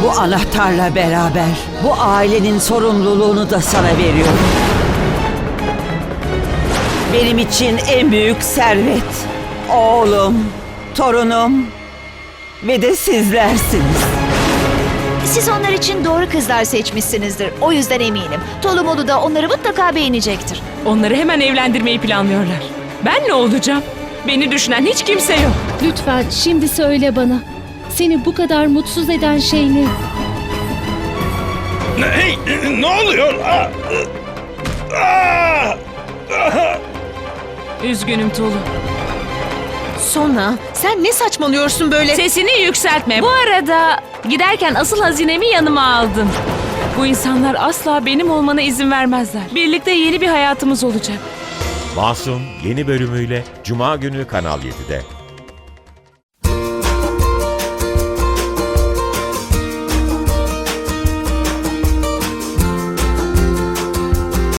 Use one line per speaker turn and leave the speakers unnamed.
Bu anahtarla beraber bu ailenin sorumluluğunu da sana veriyorum. Benim için en büyük servet oğlum, torunum ve de sizlersiniz.
Siz onlar için doğru kızlar seçmişsinizdir. O yüzden eminim. Tolumolu da onları mutlaka beğenecektir.
Onları hemen evlendirmeyi planlıyorlar. Ben ne olacağım? Beni düşünen hiç kimse yok.
Lütfen şimdi söyle bana. Seni bu kadar mutsuz eden şey ne?
Hey, ne oluyor?
Üzgünüm Tolu.
Sona, sen ne saçmalıyorsun böyle?
Sesini yükseltme. Bu arada giderken asıl hazinemi yanıma aldım. Bu insanlar asla benim olmana izin vermezler. Birlikte yeni bir hayatımız olacak.
Masum yeni bölümüyle Cuma günü Kanal 7'de.